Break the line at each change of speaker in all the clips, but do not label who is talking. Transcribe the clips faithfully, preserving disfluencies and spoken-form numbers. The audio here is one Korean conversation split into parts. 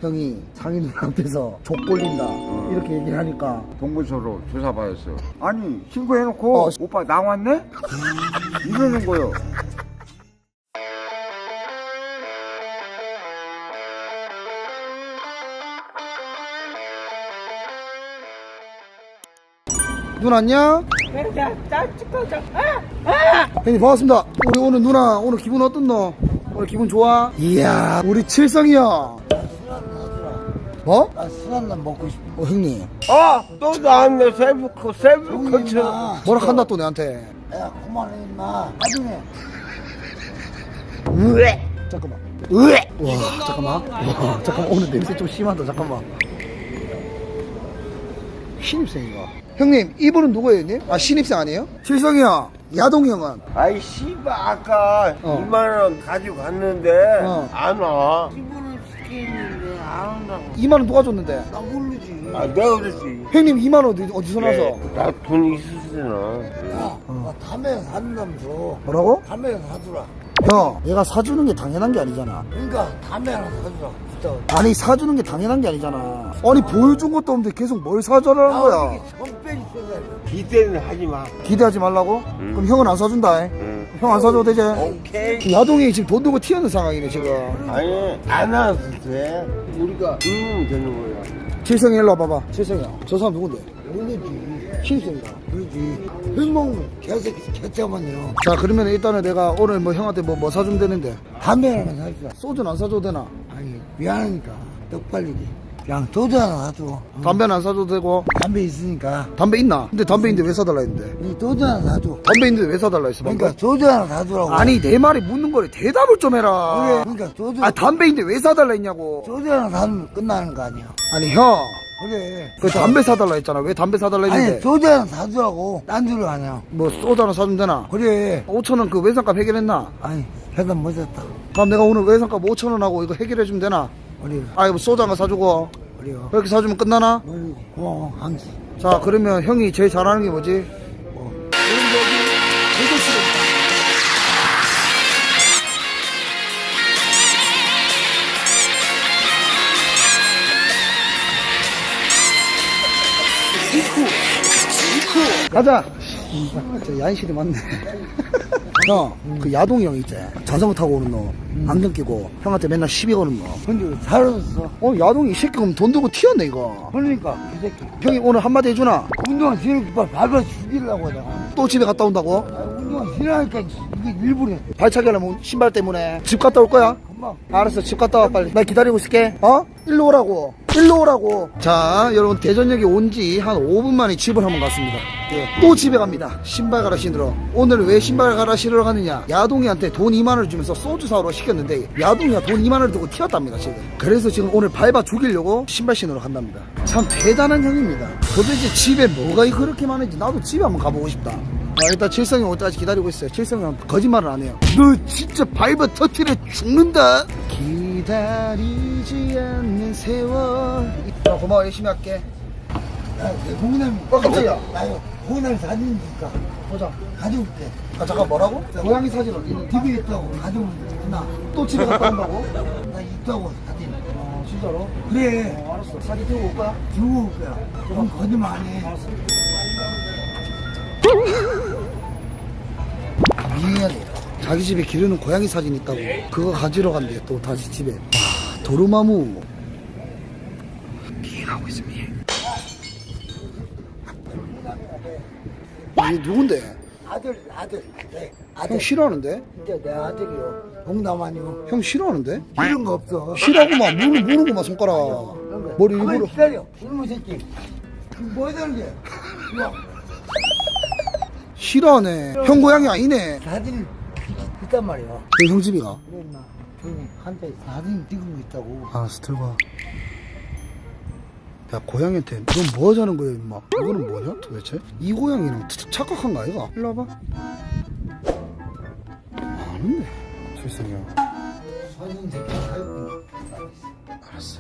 형이 상인 앞에서 족 걸린다
어.
이렇게 얘기를 하니까
동부서로 조사받았어. 아니 신고해놓고
어.
오빠 나왔네? 이러는 거요.
눈 안녕? 형님 반갑습니다. 우리 오늘 누나 오늘 기분 어떻노? 오늘 기분 좋아? 이야 우리 칠성이 형 뭐?
나 술 한잔 먹고 싶어.
어 형님
아, 또 나왔네. 세부코 세부코츠.
뭐라 한다 또 내한테.
야, 그만해, 임마. 나중에.
으에 잠깐만 으에 와 잠깐만 와 잠깐만 오늘 냄새 좀 심하다. 잠깐만 신입생인가? 형님 이분은 누구예요 형님? 아 신입생 아니에요? 칠성이 형 야동이 형은?
아이 씨발 아까
어.
이만 원 가지고 갔는데
어.
안 와.
기분을 시키는데 안 한다고.
이만 원 누가 줬는데?
나 모르지.
아 내가 그랬지.
형님 이만 원 어디, 어디서 나서?
나 돈 있으시나.
야, 나 담배 사준다면서.
뭐라고?
담배 사주라.
형 얘가 사주는 게 당연한 게 아니잖아.
그러니까 담배 하나 사주라. 부탁.
아니 사주는 게 당연한 게 아니잖아. 아니 보여준 것도 없는데 계속 뭘 사주라는 거야.
선배이 있어야
기대는 하지 마.
기대하지 말라고?
응.
그럼 형은 안 사준다.
응.
형 안 사줘도 되지?
오케이.
야동이 지금 돈 들고 튀어는 상황이네 지금.
아니 안 와도 돼. 우리가 응 되는 거야.
칠성이 일로 와봐봐. 칠성이 형. 저 사람 누군데?
모르지.
신입생이다.
그러지. 흑몽 개새끼 개짜만요.
자 그러면 일단은 내가 오늘 뭐 형한테 뭐, 뭐 사주면 되는데
담배 하나 사주라.
소주는 안 사줘도 되나?
아니, 미안하니까. 떡발리기. 그냥 소주 하나 사줘. 어.
담배는 안 사줘도 되고.
담배 있으니까.
담배 있나? 근데 담배 있는데 왜 사달라 했는데?
이 소주 하나 사줘.
담배 있는데 왜 사달라 했어? 방금?
그러니까 소주 하나 사주라고.
아니 내 말이 묻는 거래. 대답을 좀 해라.
그래. 그러니까 소주.
아 담배 있는데 왜 사달라 했냐고.
소주 하나 사면 끝나는 거 아니야.
아니 형.
그래.
그 담배 사달라 했잖아. 왜 담배 사달라 했는데?
아니, 소주 하나 사주라고. 딴 줄을 아냐.
뭐 소주 하나 사주면 되나?
그래.
오천 원 그 외상값 해결했나?
아니, 회사 못했다.
그럼 내가 오늘 외상값 오천 원 하고 이거 해결해주면 되나?
그래.
아 이거 소주 하나 사주고
그래.
그렇게 사주면 끝나나?
어이구, 고마워, 항시.
자 그러면 형이 제일 잘하는 게 뭐지?
뭐.
가자. 아, 저 야인실이 많네. 형, 그 야동이 형 있지? 자전거 타고 오는 너. 안경 끼고 형한테 맨날 시비 거는 너.
근데 왜 사라졌어?
어, 야동이 이 새끼 그럼 돈 들고 튀었네 이거.
그러니까, 이 새끼.
형이 오늘 한마디 해주나?
운동화 신으니까 밟아 죽이려고 내가.
또 집에 갔다 온다고?
아, 운동화 신으니까 이게 일부러.
발차기 하려면 신발 때문에. 집 갔다 올 거야?
금방.
알았어, 집 갔다 와 빨리. 나 기다리고 있을게. 어? 일로 오라고. 일로 오라고. 자, 여러분 대전역에 온 지 한 오 분 만에 집을 한번 갔습니다. 예. 또 집에 갑니다. 신발 갈아 신으러. 오늘 왜 신발 갈아 신으러 가느냐? 야동이한테 돈 이만 원을 주면서 소주 사오러 시켰는데 야동이가 돈 이만 원을 두고 튀었답니다 지금. 그래서 지금 오늘 밟아 죽이려고 신발 신으러 간답니다. 참 대단한 형입니다. 도대체 집에 뭐가 그렇게 많은지 나도 집에 한번 가보고 싶다. 아, 일단 칠성이 올 때까지 기다리고 있어요. 칠성이 거짓말을 안 해요. 너 진짜 밟아 터트려 죽는다. 기다리지 않는 세월. 아, 고마워. 열심히 할게.
야, 내 홍남이.
어, 깜짝이야.
나 이거 홍남이 사진 있으니까.
보자.
가져올게.
아 잠깐 뭐라고? 고양이 사진 어디 있는데?
집에 있다고 가져오면 되구나.
또 집에 갔다 온다고?
나 있다고 사진.
어 진짜로?
그래.
어, 알았어. 사진 들고 올 거야?
들고 올 거야. 그럼 거짓말 안 해.
알았어. 미안해. 자기 집에 기르는 고양이 사진 있다고 그거 가지러 간대. 또 다시 집에. 와 도루마무 미행하고 있어. 미행. 이게 누군데?
아들, 아들. 네,
형
아들.
싫어하는데?
이제 내 아들이요. 홍남 아니요.
형 싫어하는데?
이런 거 없어.
싫어하고만 무는 무는구만 손가락. 머리
가만히
일부러.
기다려. 이놈의 새끼. 뭐 하자는 게? 이거
싫어하네. 형 고양이 아니네.
사진 있단 말이야.
그 형 집이가.
그래, 임마. 조용히 한테 사진 찍은 거 있다고.
알았어 들고 야 고양이한테 넌 뭐 하자는 거야 임마. 이거는 뭐냐 도대체? 이 고양이는 차- 착각한 거 아이가? 일로 와봐. 아는데 실성이야.
사진 새끼 사진.
알았어.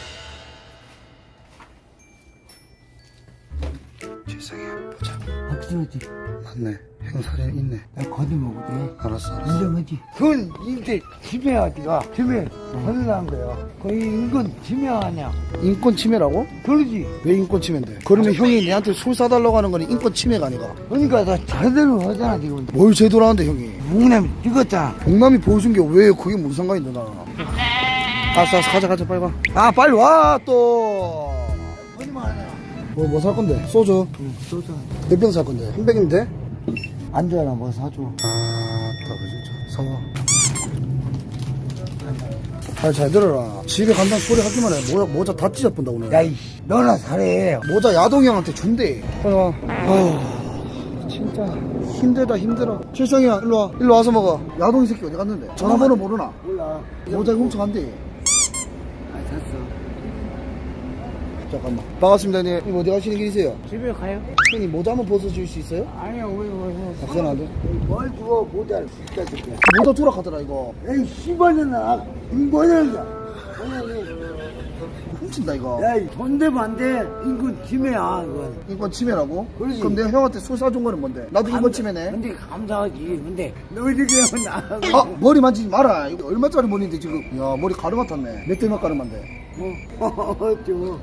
실성이야 보자.
쓰러지.
맞네. 형 사진 있네.
나 거짓말이지.
알았어. 알았어.
인정하지. 그건 이제 지명하지가 지명 거듭난 거야. 거의 이건 지명 아니야.
인권 침해라고?
그러지.
왜 인권 침해인데? 그러면 형이 내한테 술 사달라고 하는 건 인권 침해가 아니가?
그러니까 나 제대로 하잖아 지금.
뭘 제대로 하는데 형이?
목남 찍었잖아.
동남이 보여준 게 왜 그게 무슨 상관이 있나? 알았어, 알았어, 가자, 가자, 빨리 가. 아, 빨리 와, 또.
거짓말 아니야.
뭐, 뭐 살 건데? 소주?
응, 쏘자.
몇 병 살 건데? 한 병인데?
안주하나 뭐 사줘.
아, 따가 진짜. 사와. 아, 잘 들어라. 집에 간다는 소리 하기만 해. 모자, 모자 다 찢어본다, 오늘.
야, 이 너나 잘해.
모자 야동이 형한테 준대. 빨리 와. 아휴, 진짜. 힘들다, 힘들어. 칠성이야, 일로 와. 일로 와서 먹어. 야동이 새끼 어디 갔는데? 전화번호 모르나?
몰라.
모자 훔쳐간대.
아, 샀어.
잠깐만. 반갑습니다, 형님. 형님 어디 가시는 길이세요?
집에 가요?
형님 모자 한번 벗어줄 수 있어요?
아니야, 왜, 왜, 왜.
아, 그건 안 돼.
뭘 주워, 모자를 진짜 줄게.
모자 투락하더라, 이거.
에이, 씨발년아. 인권이야.
훔친다, 이거.
야, 돈 대면 안 돼. 인권 침해야, 이건.
인권 침해라고?
그러지.
그럼 내가 형한테 술 사준 거는 뭔데? 나도 인권
감-
침해네.
근데 감사하지. 근데 너희들이 하면 안
아, 머리 만지지 마라. 이거 얼마짜리 머리인데, 지금. 야, 머리 가르마 탔네. 몇 대몇 가르마인데.
어, 좀.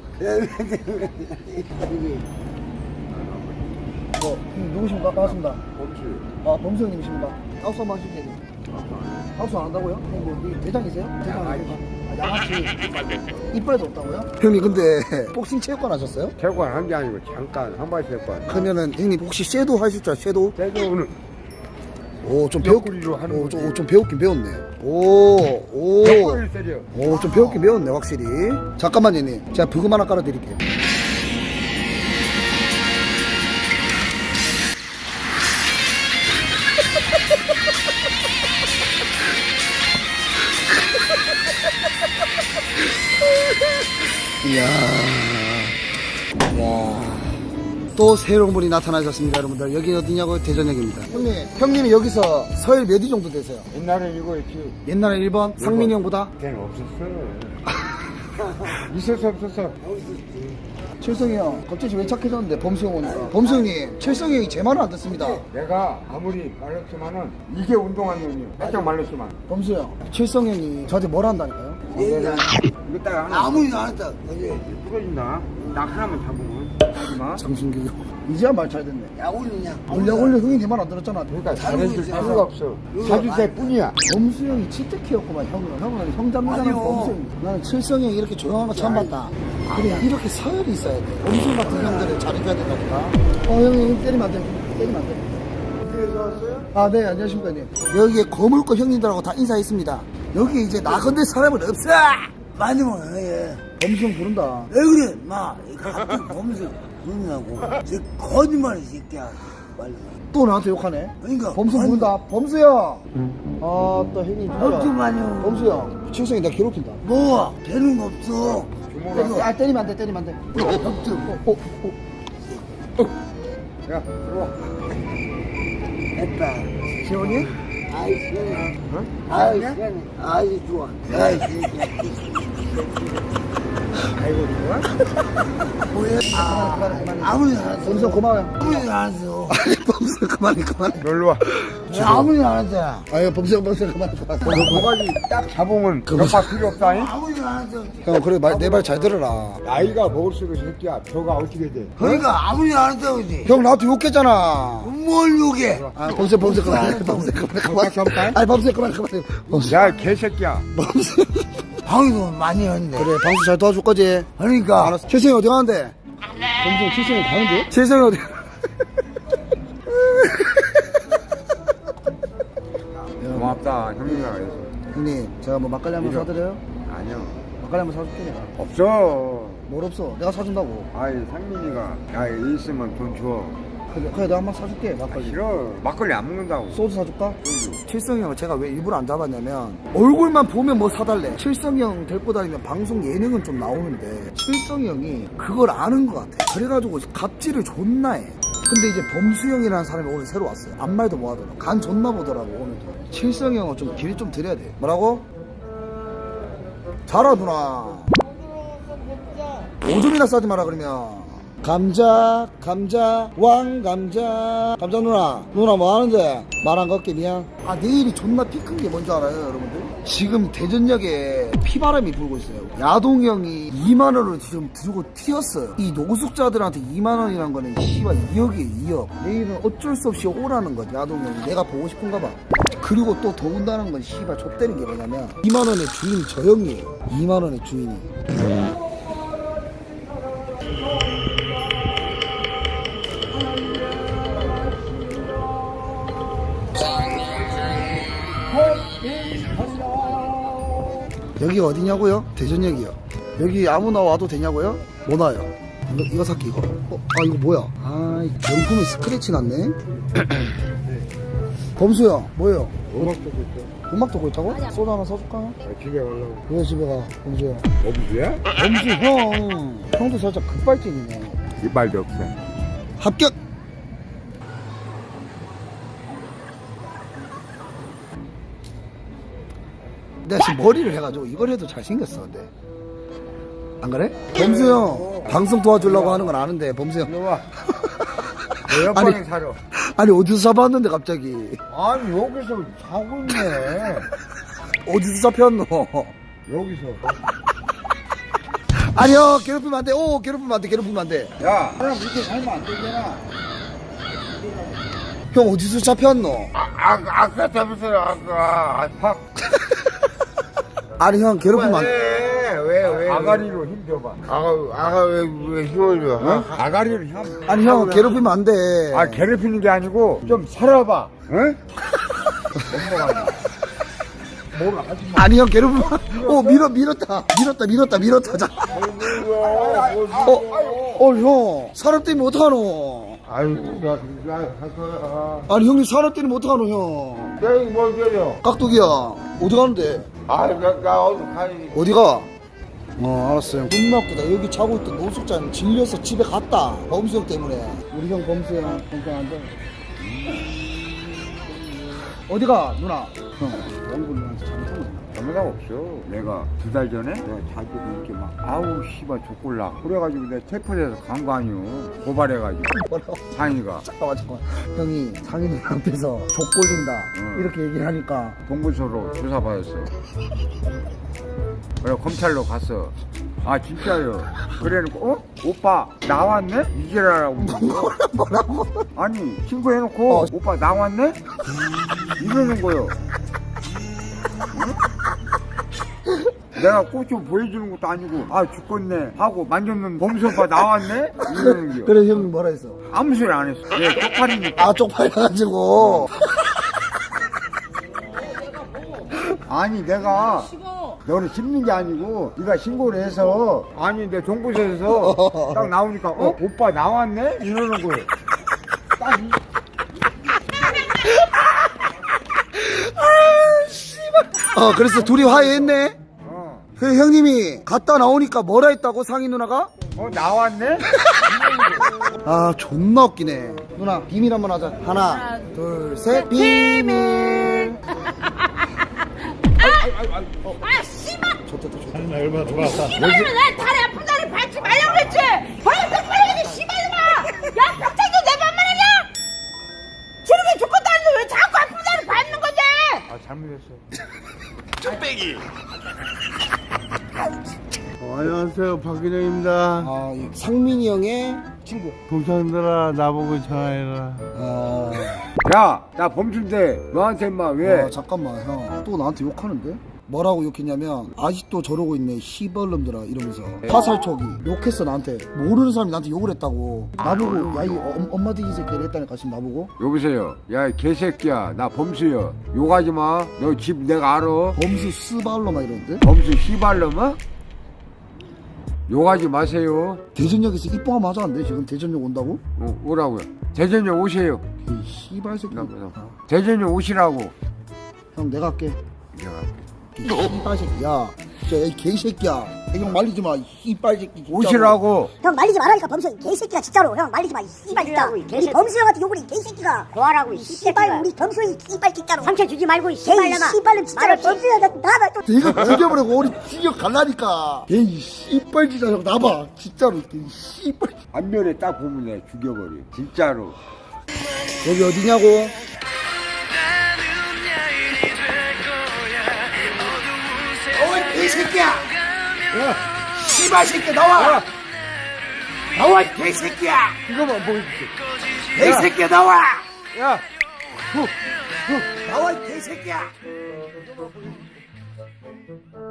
어, 형님 누구십니까? 반갑습니다.
범치.
아, 범수 형님이십니까? 아웃사 한번 하실게요. 아웃사 안 한다고요? 형님 뭐, 이 대장이세요? 대장 아닙니까? 아, 양아치. 이빨도 없다고요? 형님, 근데, 복싱 체육관 하셨어요?
체육관 한 게 아니고 잠깐 한발 체육관.
그러면은, 형님 혹시 섀도우 하실 줄 알아요? 섀도우?
때도는
오, 좀 배웠,
옆구리로 하는
오,
거지.
좀, 오, 좀 배웠긴 배웠네. 오, 오.
옆구리를 때려.
오, 좀 배웠긴 배웠네, 확실히. 잠깐만요, 형님. 제가 부금 하나 깔아드릴게요. 이야. 이야. 또 새로운 분이 나타나셨습니다, 여러분들. 여기 어디냐고? 대전역입니다. 형님, 형님이 여기서 서열 몇 위 정도 되세요?
옛날에 이거 있지.
옛날에 일 번? 상민이 형보다?
걔는 없었어. 있었어 없었어.
칠성이 형, 갑자기 왜 착해졌는데, 범수 형 오니까. 범수 형님, 칠성이 형이 제 말은 안 듣습니다.
내가 아무리 말렸지만은 이게 운동한 놈이야. 살짝 말렸지만.
범수 형, 칠성 형이 저한테 뭘 한다니까요?
내가 이거 딱 하나
아무리 나한테. 어제
부러진다. 나 하나만 잡으면 하지마.
장순규. 이제야 말 잘 듣네.
약 올리냐?
원래 원래 형이 내 말 안 들었잖아.
그러니까
다른
잘해줄
거지.
필요가 없어. 사줄 때뿐이야.
범수 형이 치트키였구만, 형은. 형은 형 잡는다는
아니요.
범수 형. 나는 칠성 형이 이렇게 조용한 거 처음 봤다. 그래, 이렇게 서열이 있어야 돼. 범수 같은 형들을 잘해줘야 된다 보다. 어, 형님 때리면 안 돼. 때리면 안 돼.
그래서 왔어요?
아, 네, 안녕하십니까, 형님. 여기에 거물거 형님들하고 다 인사했습니다. 여기 이제 나 건들 사람은 없어!
많이 먹어, 예.
범수 형 부른다.
왜 그래, 마. 갑자기 범수 그러냐고. 저 거짓말이 새끼야. 빨리.
또 나한테 욕하네.
그러니까.
범수
아니,
부른다. 범수 형! 아, 또 형님 진짜.
걱정 마요.
범수 형, 칠성이 나 괴롭힌다.
뭐, 되는 거 없어.
주먹으로.
아, 때리면 안 돼, 때리면 안 돼.
걱정.
어, 어, 어.
야 들어와.
됐다.
시원이?
아이, 시원해.
어?
아이, 시원해. 아이, 좋아. 아이, 새끼야.
아이고 좋아.
뭐야? 아, 그만해, 그만해.
아무리 안
범수 형
했어.
고마워요.
아무리 안 했어.
아니, 범수 형 그만해, 그만해.
놀러 와.
아무리 안 했잖아.
아유, 범수 형, 범수 형 그만해, 그만해.
너 모가지 딱 잡으면 옆밥 필요 없다잉?
아무리 안 했어.
형, 그래, 내 말 잘 들어라.
나이가 먹을수록 새끼야 혀가 어떻게 돼?
그러니까 아무리 안 했다고 그지.
형, 나한테 욕했잖아.
뭘 욕해.
아, 범수 형, 범수 형 그만해, 범수 형 그만해, 그만해. 아니, 범수 형 그만해, 그만해. 범수 형.
야 개새끼야.
범수 형.
방송 많이 했는데.
그래, 방수 잘 도와줄 거지?
그러니까.
알았어. 칠성이 어디 가는데? 범수 형, 칠성이 가는데? 칠성이 어디
고맙다 형님이라 해서.
형님, 제가 뭐 막걸리 한번
이거.
사드려요?
아니요.
막걸리 한번 사줄게, 내가.
없어.
뭘 없어? 내가 사준다고.
아이 상민이가 야 있으면 돈 줘.
그래, 그래, 내가 한번 사줄게,
아,
막걸리.
싫어. 막걸리 안 먹는다고.
소주 사줄까?
소주.
칠성이 형을 제가 왜 일부러 안 잡았냐면 얼굴만 보면 뭐 사달래. 칠성이 형 데리고 다니면 방송 예능은 좀 나오는데 칠성이 형이 그걸 아는 것 같아. 그래가지고 갑질을 존나 해. 근데 이제 범수 형이라는 사람이 오늘 새로 왔어요. 아무 말도 못 하더라고. 간 존나 보더라고, 오늘도. 칠성이 형은 좀 길 좀 드려야 돼. 뭐라고? 자라, 누나. 오줌이나 싸지 마라, 그러면. 감자 감자 왕감자 감자 누나 누나 뭐 하는데 말 안 걸게 미안. 아 내일이 존나 피 큰 게 뭔지 알아요 여러분들? 지금 대전역에 피바람이 불고 있어요. 야동 형이 이만 원을 지금 들고 튀었어요. 이 노숙자들한테 이만 원이란 거는 씨발 이억이에요 이억. 내일은 어쩔 수 없이 오라는 거지 야동 형이. 내가 보고 싶은가 봐. 그리고 또 더운다는 건 씨발 족대는 게 뭐냐면 이만 원의 주인이 저 형이에요. 이만 원의 주인이. 여기 어디냐고요? 대전역이요. 여기 아무나 와도 되냐고요? 못 와요. 이거, 이거 살게 이거. 어, 아 이거 뭐야? 아 명품에 스크래치 났네. 범수야 뭐예요?
음악 듣고 있어.
음악 듣고 있다고? 소주 하나 사줄까?
아, 집에 가려고.
왜 집에 가? 범수야.
범수야?
범수 형. 형도 살짝 급발진이네.
이빨도 없어.
합격. 내가 지금 머리를 해가지고 이걸 해도 잘생겼어 근데 안 그래? 범수 형 방송 도와주려고 하는 건 아는데 범수 형
일로 와. 내 옆방에 살아.
아니 어디서 잡았는데 갑자기
아니, 여기서 자고 있네.
어디서 잡혔노?
여기서.
아니 형 괴롭히면 안돼. 오 괴롭히면 안돼 괴롭히면 안돼.
야, 그럼 이렇게 살면 안 되잖아.
형 어디서 잡혔노?
아, 아, 아까 잡았어요, 아까. 아, 팍.
아니 형 괴롭히면 안돼.
왜, 왜, 왜. 아가리로 힘 줘봐. 아가, 아가 왜, 왜 힘을 줘? 어? 아가리로 힘.
아니 형 괴롭히면 안돼.
아, 괴롭히는 게 아니고, 좀 살아봐. 응? 뭘 하지 마.
아니 형 괴롭히면 안- 오 밀어 밀었다 밀었다 밀었다 밀었다. 자. 어, 어 형 사람 때문에 어떡하노?
아유, 나, 나, 갈 거야.
아니 형님 사람 때문에 어떡하노 형?
야, 이거 뭘 때려?
깍두기야 어디 가는데?
아, 나, 나 어디 가야지.
어디가? 어 알았어요. 존나 웃기다. 여기 자고 있던 노숙자는 질려서 집에 갔다. 범수 형 때문에. 우리 형 범수 형 건강한데. 어디가 누나? 형 원군 누나한테 잘못한 거야.
잘못한 거 없어. 내가 두 달 전에 내가 자기도 이렇게 막 아우 씨발 족골라 그래가지고 내가 체포돼서 간 거 아니오. 고발해가지고
뭐라고?
상이가
잠깐만 잠깐만. 형이 상인 누나 앞에서 족 걸린다
응.
이렇게 얘기를 하니까
동부서로 조사받았어. 그래 검찰로 갔어. 아 진짜요. 그래놓고 어? 오빠 나왔네? 이지라라고.
뭐라고?
아니 신고해놓고
어.
오빠 나왔네? 이러는 거요. 응? 내가 꽃 좀 보여주는 것도 아니고 아 죽겠네 하고 만졌는 범수 오빠 나왔네? 이러는 거요.
그래 형님 뭐라 했어?
아무 소리 안 했어. 예, 쪽팔리니까.
아 쪽팔려가지고.
아니 내가 너를 씹는 게 아니고 네가 신고를 해서 아니 내 동부서에서 딱 나오니까 어? 오빠 나왔네? 이러는 거예요. 딱 이-
어 그래서 둘이 화해했네.
어,
그 형님이 갔다 나오니까 뭐라 했다고 상인 누나가?
어 나왔네?
아 존나 웃기네. 누나 비밀 한번 하자. 하나 둘셋 비밀.
아 씨발!
좋다 좋다.
씨발이면 내 다리 아픈 다리 밟지 말라고 그랬지! 벌써 똑바로 씨발이마! 야 벽장도 내 맘만 하냐? 지르게 죽것도 아닌데 왜 자꾸 아픈 다리 밟는 건데!
아 잘못했어.
어, 안녕하세요, 박근영입니다.
아 이 상민이 형의 친구.
동창들아, 나보고 전화해라.
아
야, 나 범수인데 너한테 인마 왜?
아, 잠깐만 형 또 나한테 욕하는데? 뭐라고 욕했냐면 아직도 저러고 있네 시벌놈들아 이러면서 화살촉이 욕했어 나한테. 모르는 사람이 나한테 욕을 했다고. 나보고 야이 엄마 뒤지 새끼를 했다니까 지금 나보고.
여보세요. 야, 이 개새끼야. 나 범수요. 욕하지 마. 너 집 내가 알아.
범수 스발로마 이러는데?
범수 씨발놈아? 욕하지 마세요.
대전역에서 입방아 맞았는데 지금 대전역 온다고?
어, 오라고요. 대전역 오세요.
이 씨발 새끼.
대전역 오시라고.
형 내가 할게.
내가.
이 씨발 새끼. 야, 저이 개새끼야. 형 말리지 마. 이 이빨 새끼. 진짜로.
오시라고.
형 말리지 말라니까 범수 이 개새끼가 진짜로 형 말리지 마이 씨발 진짜 우리 범수 형한테 욕을 이 개새끼가 고하라고 이 씨발 우리 범수 이 씨발 진짜로 상처 주지 말고 이 씨발놈아 씨발놈 진짜로 범수 형한테 나가 또
이거 죽여버리고 우리 죽여 갈라니까. 이 씨발 진짜 형 나봐. 진짜로 이 씨발.
안면에 딱 보면 내가 죽여버려. 진짜로.
여기 어디냐고? 어이 개새끼야! 야, 씨발 새끼 나와! 나와 이 개새끼야!
이거만 보여줄게.
개새끼야 나와!
야,
나와 이 개새끼야!